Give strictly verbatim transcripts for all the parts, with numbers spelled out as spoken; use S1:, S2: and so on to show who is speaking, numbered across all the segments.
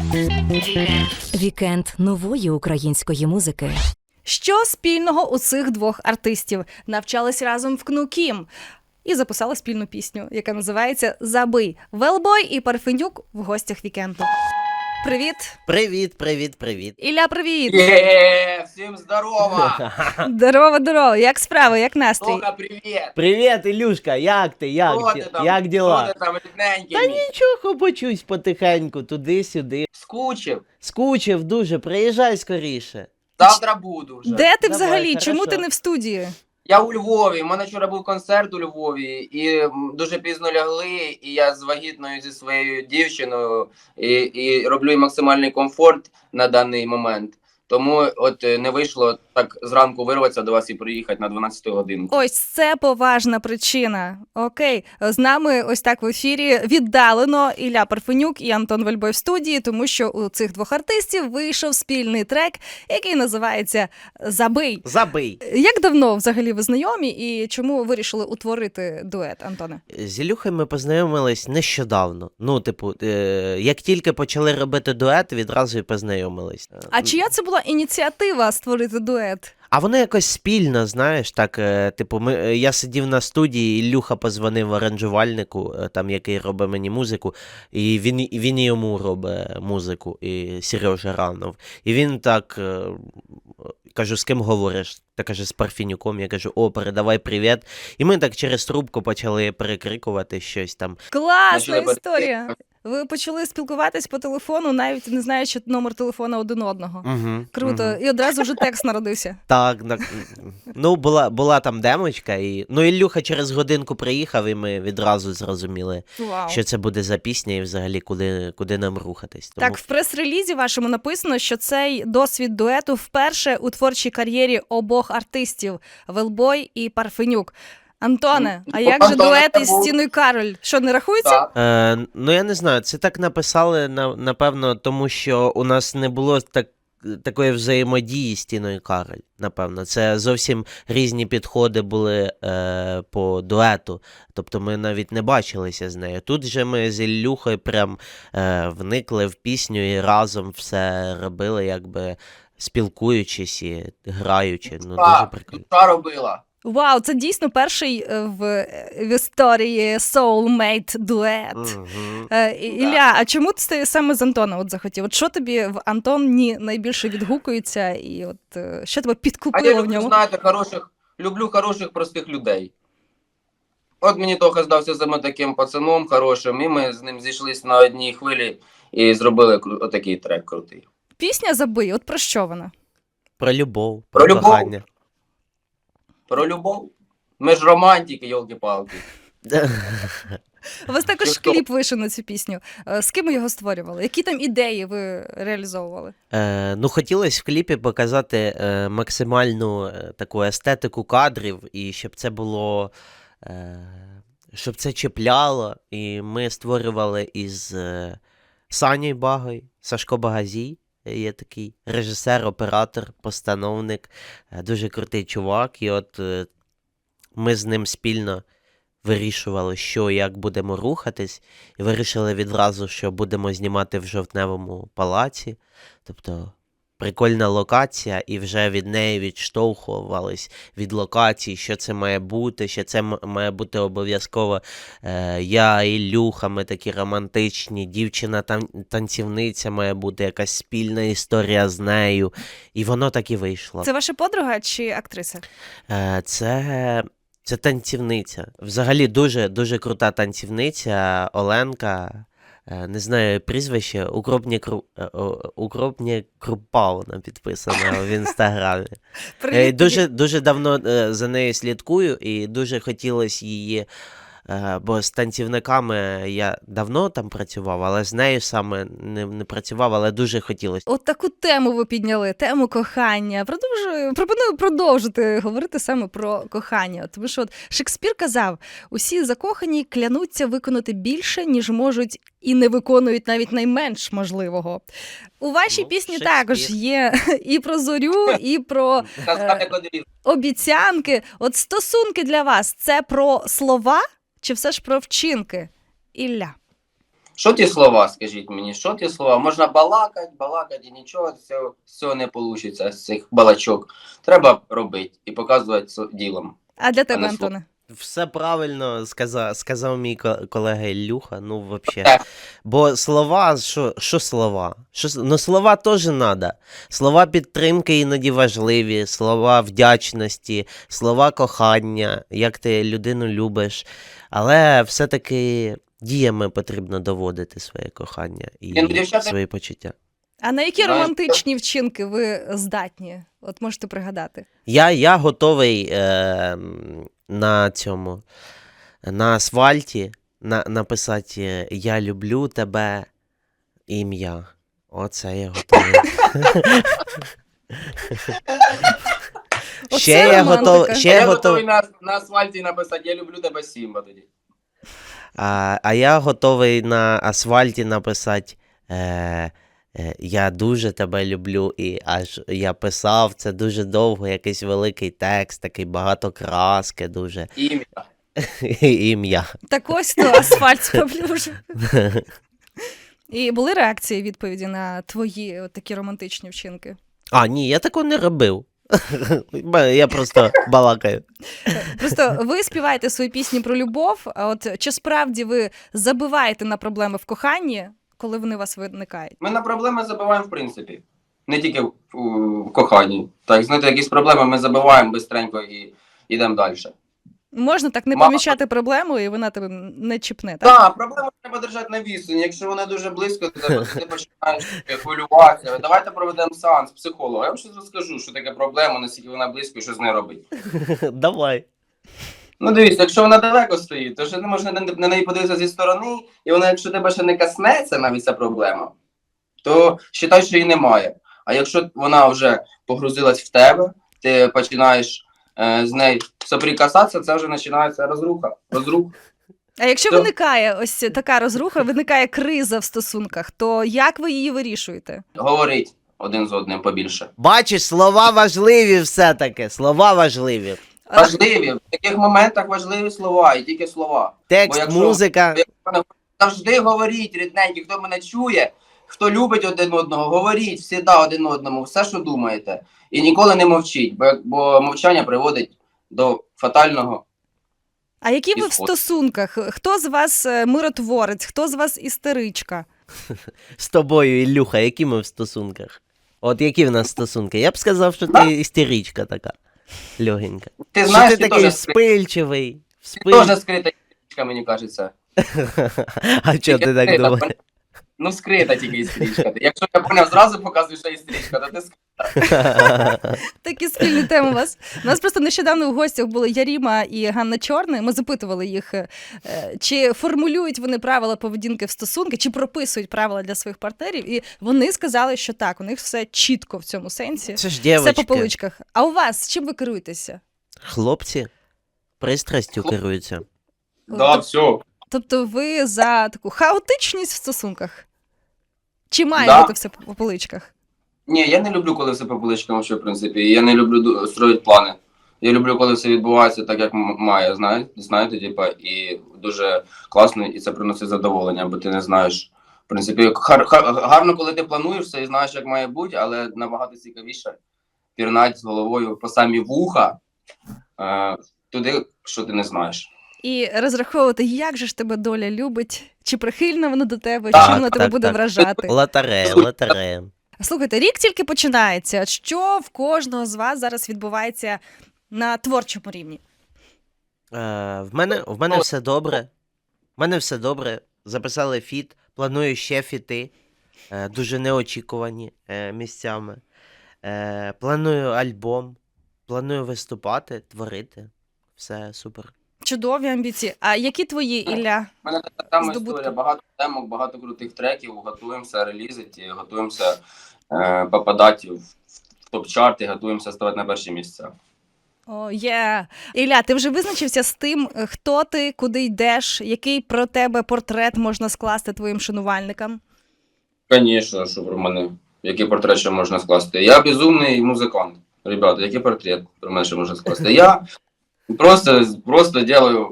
S1: Вікенд нової української музики.
S2: Що спільного у цих двох артистів? Навчались разом в КНУ-КІМ і записали спільну пісню, яка називається «Забий». Велбой і Парфенюк в гостях вікенду. Привіт!
S3: Привіт, привіт, привіт.
S2: Ілля, привіт!
S4: Є, всім здорово!
S2: Здорово, здорово! Як справи, як настрій?
S4: Тока, привіт!
S3: Привіт, Ілюшка, як ти, як,
S4: Що
S3: ті-
S4: ти там?
S3: як діла?
S4: Що ти там, рідненький
S3: Та
S4: мій?
S3: нічого, почусь потихеньку, туди-сюди.
S4: Скучив?
S3: Скучив дуже, приїжджай скоріше.
S4: Завтра буду вже.
S2: Де ти
S3: Давай,
S2: взагалі? Чому
S3: хорошо.
S2: ти не в студії?
S4: Я у Львові, у мене вчора був концерт у Львові, і м, дуже пізно лягли, і я з вагітною зі своєю дівчиною, і, і роблю їй максимальний комфорт на даний момент. Тому от е, не вийшло так зранку вирватися до вас і приїхати на дванадцяту годину.
S2: Ось це поважна причина. Окей, з нами ось так в ефірі віддалено Ілля Парфенюк і Антон Вельбой в студії, тому що у цих двох артистів вийшов спільний трек, який називається «Забий».
S3: Забий.
S2: Як давно взагалі ви знайомі і чому вирішили утворити дует, Антоне?
S3: З Ілюхою ми познайомились нещодавно. Ну, типу, е- як тільки почали робити дует, відразу і познайомились.
S2: А чия це була ініціатива створити дует?
S3: А воно якось спільно, знаєш, так, е, типу, ми, е, я сидів на студії, Ілюха позвонив аранжувальнику, е, там, який робить мені музику, і він, і він і йому робить музику, і Сережа Ранов. І він так, е, кажу, з ким говориш? Та каже, з Парфенюком. Я кажу, о, передавай привіт. І ми так через трубку почали перекрикувати щось там.
S2: Класна
S4: Почали
S2: історія! Ви почали спілкуватись по телефону, навіть не знаючи номер телефона один одного.
S3: Угу,
S2: Круто.
S3: Угу.
S2: І одразу вже текст народився.
S3: Так, на- ну була, була там демочка, і ну Ілюха через годинку приїхав, і ми відразу зрозуміли,
S2: Вау.
S3: що це буде за пісня і взагалі куди, куди нам рухатись. Тому...
S2: Так, в прес-релізі вашому написано, що цей досвід дуету вперше у творчій кар'єрі обох артистів – Велбой і Парфенюк. Антоне, а як же
S4: Антоне,
S2: дует
S4: це
S2: із
S4: був-
S2: Тіною Кароль? Що, не рахується?
S4: Так.
S3: Е, ну я не знаю, це так написали, на, напевно, тому що у нас не було так, такої взаємодії з Тіною Кароль, напевно. Це зовсім різні підходи були е, по дуету, тобто ми навіть не бачилися з нею. Тут же ми з Ілюхою прям е, вникли в пісню і разом все робили, якби спілкуючись і граючи. Ну, дуже
S4: Так,
S3: прикольно.
S4: душа робила.
S2: Вау, це дійсно перший е, в, в історії soulmate дует.
S3: Мгм.
S2: Е, І- Ілля, а чому ти саме з Антона от захотів? От що тобі в Антоні найбільше відгукується, і от е, що тебе
S4: А я
S2: підкупило в
S4: люблю,
S2: ньому?
S4: знаєте, хороших, люблю хороших, простих людей. От мені Тоха здався саме таким пацаном хорошим, і ми з ним зійшлися на одній хвилі і зробили кру- отакий трек крутий.
S2: Пісня «Забий», от про що вона?
S3: Про любов,
S4: Про
S3: про
S4: любов.
S3: кохання.
S4: Про любов. Ми ж романтики, йолки-палки.
S2: У вас також
S4: Чи хто?
S2: кліп вийшов на цю пісню. Е, З ким ви його створювали? Які там ідеї ви реалізовували?
S3: Е, ну, хотілося в кліпі показати е, максимальну е, таку естетику кадрів, і щоб це було, е, щоб це чіпляло. І ми створювали із е, Санєю Багою, Сашко Багазій, є такий режисер, оператор, постановник, е, дуже крутий чувак. І от е, ми з ним спільно вирішували, що і як будемо рухатись, і вирішили відразу, що будемо знімати в Жовтневому палаці. Тобто прикольна локація, і вже від неї відштовхувались від локації, що це має бути, що це м- має бути обов'язково е, я, Ілюха, ми такі романтичні, дівчина тан- танцівниця має бути, якась спільна історія з нею. І воно так і вийшло.
S2: Це ваша подруга чи актриса?
S3: Е, Це, це танцівниця. Взагалі дуже, дуже крута танцівниця Оленка. Е, Не знаю прізвище, Укропні, Кру... е, о, Укропні Крупа вона підписана в інстаграмі. Е,
S2: Привіт.
S3: Дуже, дуже давно е, за нею слідкую і дуже хотілося її, е, бо з танцівниками я давно там працював, але з нею саме не, не працював, але дуже хотілося.
S2: От таку тему ви підняли, тему кохання. Продовжую, пропоную продовжити говорити саме про кохання. Тому що от Шекспір казав, усі закохані клянуться виконати більше, ніж можуть, і не виконують навіть найменш можливого. У вашій
S3: Ну,
S2: пісні
S3: Шекспір.
S2: також є і про зорю, і про
S4: Сказати кодрі.
S2: обіцянки. От стосунки для вас – це про слова чи все ж про вчинки? Ілля.
S4: Що ті слова, скажіть мені, що ті слова? Можна балакати, балакати і нічого з цього, з цього не вийде, з цих балачок. Треба робити і показувати це ділом.
S2: А для тебе,
S4: не слово.
S2: Антоне?
S3: Все правильно сказав, сказав мій ко- колега Ілюха, ну взагалі.
S4: Так.
S3: Бо слова, що, що слова? Що, с- ну слова теж треба. Слова підтримки іноді важливі, слова вдячності, слова кохання, як ти людину любиш. Але все-таки діями потрібно доводити своє кохання і
S4: Ні, ну, дівчата-
S3: свої почуття.
S2: А на які
S4: Знаєш,
S2: романтичні вчинки ви здатні? От можете пригадати.
S3: Я, я готовий е, м, на цьому, на асфальті на, написати е, «Я люблю тебе» ім'я. Оце я готовий.
S2: Оце
S3: Ще я
S2: романтика.
S3: готовий. Ще
S4: я
S3: я
S4: готовий
S3: готовий.
S4: на, на асфальті написати «Я люблю тебе, Сімба» тоді.
S3: А, а я готовий на асфальті написати е, е, «Я дуже тебе люблю» і аж я писав це дуже довго, якийсь великий текст, такий багато краски, дуже
S4: Ім'я.
S3: ім'я.
S2: Так ось то асфальт споплюжив. І були реакції, відповіді на твої от такі романтичні вчинки?
S3: А, ні, я такого не робив. Я просто балакаю.
S2: Просто ви співаєте свої пісні про любов, а от чи справді ви забиваєте на проблеми в коханні, коли вони у вас виникають?
S4: Ми на проблеми забиваємо в принципі. Не тільки в, у- в коханні. Так, знаєте, якісь проблеми ми забиваємо бистренько і йдемо далі.
S2: Можна так не
S4: Мало.
S2: помічати проблему, і вона тебе не чіпне, так?
S4: Так, проблему треба держати на відстані. Якщо вона дуже близько, то тебе, ти починаєш хвилюватися. Давайте проведемо сеанс психолога. Я вам щось розкажу, що таке проблема, наскільки вона близько і що з нею робити.
S3: Давай.
S4: Ну дивіться, якщо вона далеко стоїть, то ще не можна на, на неї подивитися зі сторони, і вона, якщо тебе ще не коснеться навіть ця проблема, то вважай, що її немає. А якщо вона вже погрузилась в тебе, ти починаєш е, з нею соприкасатися, це вже починається розруха. розруха.
S2: А якщо
S4: Що?
S2: виникає ось така розруха, виникає криза в стосунках, то як ви її вирішуєте?
S4: Говорить один з одним побільше.
S3: Бачиш, слова важливі все-таки. Слова важливі.
S2: А,
S4: Важливі, в таких моментах важливі слова, і тільки слова.
S3: Текст,
S4: якщо-
S3: музика.
S4: Завжди говоріть, рідненькі, хто мене чує, хто любить один одного, говоріть всіда один одному, все, що думаєте. І ніколи не мовчіть, бо, бо мовчання приводить до фатального.
S2: а які ви в
S4: Ісход.
S2: стосунках? Хто з вас е, миротворець, хто з вас істеричка?
S3: З тобою, Ілюха, які ми в стосунках? От які в нас стосунки? Я б сказав, що
S4: Да.
S3: ти істеричка така. Легенька.
S4: Ти
S3: Що
S4: знаєш,
S3: ти
S4: ти
S3: такий
S4: теж скрита,
S3: вспильчивий.
S4: ти
S3: Вспиль...
S4: теж скрита істеричка, мені кажеться.
S3: А чого ти так
S4: Скрита,
S3: думаєш?
S4: Ну, скрита тільки істеричка. Якщо я поняв, зразу показую, що істеричка, то ти скрита.
S2: Такі спільні теми у вас. У нас просто нещодавно в гостях були Яріма і Ганна Чорний. Ми запитували їх, е, чи формулюють вони правила поведінки в стосунки, чи прописують правила для своїх партнерів. І вони сказали, що так, у них все чітко в цьому сенсі.
S3: Це ж
S2: Все по
S3: дівчатки.
S2: поличках. А у вас чим ви керуєтеся?
S3: Хлопці пристрастю
S4: Хлоп-
S3: керуються.
S4: Да,
S2: Тоб-
S4: все.
S2: Тобто ви за таку хаотичність в стосунках? Чи має
S4: Да.
S2: бути все по поличках?
S4: Ні, я не люблю, коли все по поличкам, що, в принципі. І я не люблю ду- строїти плани. Я люблю, коли все відбувається так, як м- має, знаєте, знаєте, типа, і дуже класно, і це приносить задоволення, бо ти не знаєш. В принципі, гар- гар- гарно, коли ти плануєш все і знаєш, як має бути, але набагато цікавіше пірнати з головою по самі вуха е, туди, що ти не знаєш.
S2: І розраховувати, як же ж тебе доля любить, чи прихильна вона до тебе,
S4: Так,
S2: чим вона тебе
S3: так,
S2: буде
S3: так.
S2: вражати.
S3: Лотерея, лотерея.
S2: Слухайте, рік тільки починається. Що в кожного з вас зараз відбувається на творчому рівні?
S3: Е, в мене, в мене все добре. В мене все добре. Записали фіт, планую ще фіти. Е, дуже неочікувані е, місцями. Е, планую альбом, планую виступати, творити. Все супер.
S2: Чудові амбіції. А які твої, Ілля?
S4: У мене така сама
S2: Здобутки.
S4: історія, багато демок, багато крутих треків, готуємося релізити, готуємося е, попадати в, в топ-чарти, готуємося ставати на перші місця.
S2: О, є. Ілля, ти вже визначився з тим, хто ти, куди йдеш, який про тебе портрет можна скласти твоїм шанувальникам?
S4: Звісно, що про мене, який портрет ще можна скласти. Я безумний музикант. Ребята, який портрет про мене ще можна скласти? Я просто, просто делаю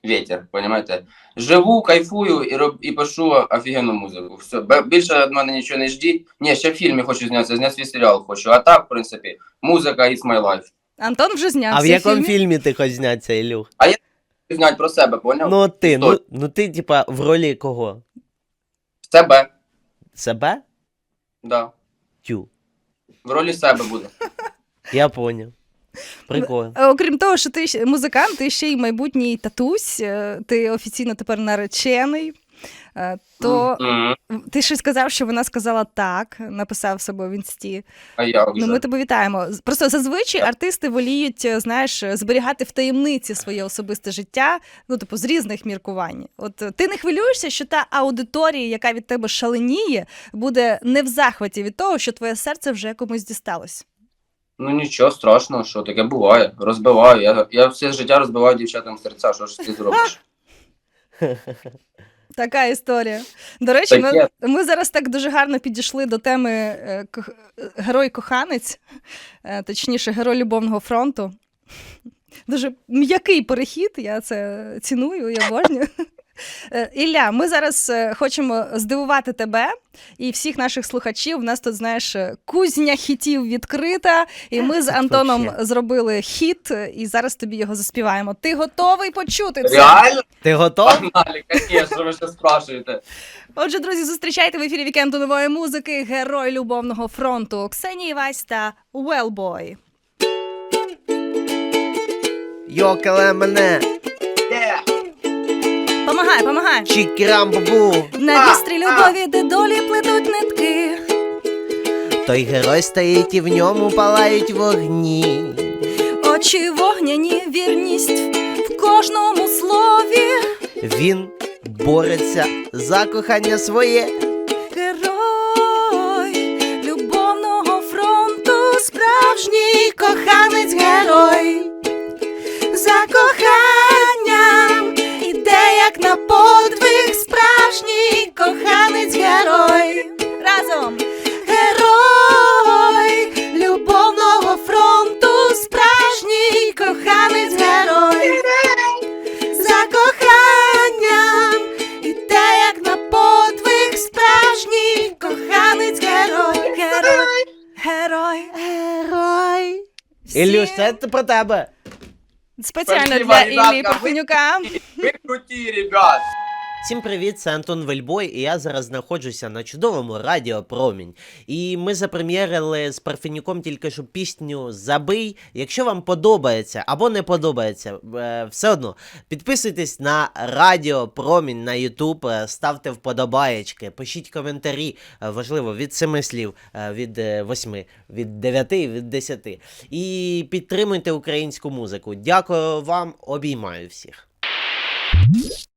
S4: ветер, понимаєте? Живу, кайфую і, роб, і пишу офігенну музику. Все, Б- більше від мене нічого не ждіть. Ні, ще в фільмі хочу знятися, зняти свій серіал хочу. А так, в принципі, музика is my life.
S2: Антон вже знявся.
S3: А в якому
S2: фільмі.
S3: фільмі ти хочеш знятися, Ілюх?
S4: Знять про себе, поняв?
S3: Ну ти, ну,
S4: Історію.
S3: ну ти, типа, в ролі кого?
S4: Себе,
S3: Себе?
S4: да.
S3: Тю.
S4: В ролі себе буде.
S3: Я поняв. Прикольно.
S2: Е, Окрім того, що ти ще музикант, ти ще й майбутній татусь, е, ти офіційно тепер наречений. Е, То
S4: Мгм.
S2: ти ще сказав, що вона сказала так, написав себе в інсті.
S4: А я вже.
S2: Ну, ми тебе вітаємо. З- Просто зазвичай артисти воліють, е, знаєш, зберігати в таємниці своє особисте життя, ну, типу, з різних міркувань. От е, ти не хвилюєшся, що та аудиторія, яка від тебе шаленіє, буде не в захваті від того, що твоє серце вже комусь дісталось.
S4: Ну нічого страшного, що таке буває. Розбиваю. Я, я все життя розбиваю дівчатам серця, що ж ти зробиш?
S2: Така історія. До речі, ми,
S4: Таке.
S2: ми зараз так дуже гарно підійшли до теми е, кох- е, герой-коханець, е, точніше, герой любовного фронту. Дуже м'який перехід, я це ціную, я обожнюю. Е, Ілля, ми зараз е, хочемо здивувати тебе і всіх наших слухачів. У нас тут, знаєш, е, кузня хітів відкрита, і ми з Антоном
S3: Вообще.
S2: зробили хіт, е, і зараз тобі його заспіваємо. Ти готовий почути це?
S4: Реально?
S3: Ти готов?
S4: Погнали, звісно, ви ще спрашуєте.
S2: Отже, друзі, зустрічайте в ефірі вікенду нової музики герой любовного фронту Ксенія Івась та Wellboy.
S3: Йокале мене,
S4: Є!
S2: Помагай, помагай!
S3: чікірам-бабу.
S2: На вістрі любові, де долі плетуть нитки.
S3: Той герой стоїть і в ньому палають вогні.
S2: Очі вогняні, вірність в кожному слові.
S3: Він бореться за кохання своє.
S2: Герой любовного фронту, справжній коханець-герой. За коханням іде як на подвиг, справжній коханець-герой. Разом! Герой любовного фронту, справжній коханець-герой. За коханням іде як на подвиг, справжній коханець-герой. Герой, герой, герой.
S3: Ілюш, це про тебе.
S2: Спеціально
S4: Спасибо,
S2: для
S4: ребятка,
S2: Іллі
S4: ви-
S2: Парфенюка.
S4: Ви круті, ребят!
S3: Всім привіт, це Антон Вельбой, і я зараз знаходжуся на чудовому радіо Промінь. І ми запрем'єрили з Парфенюком тільки що пісню «Забий». Якщо вам подобається або не подобається, е, все одно підписуйтесь на радіо Промінь на Ютуб, е, ставте вподобаєчки, пишіть коментарі, е, важливо, від семи слів, е, від е, восьми, від дев'яти, від десяти. І підтримуйте українську музику. Дякую вам, обіймаю всіх.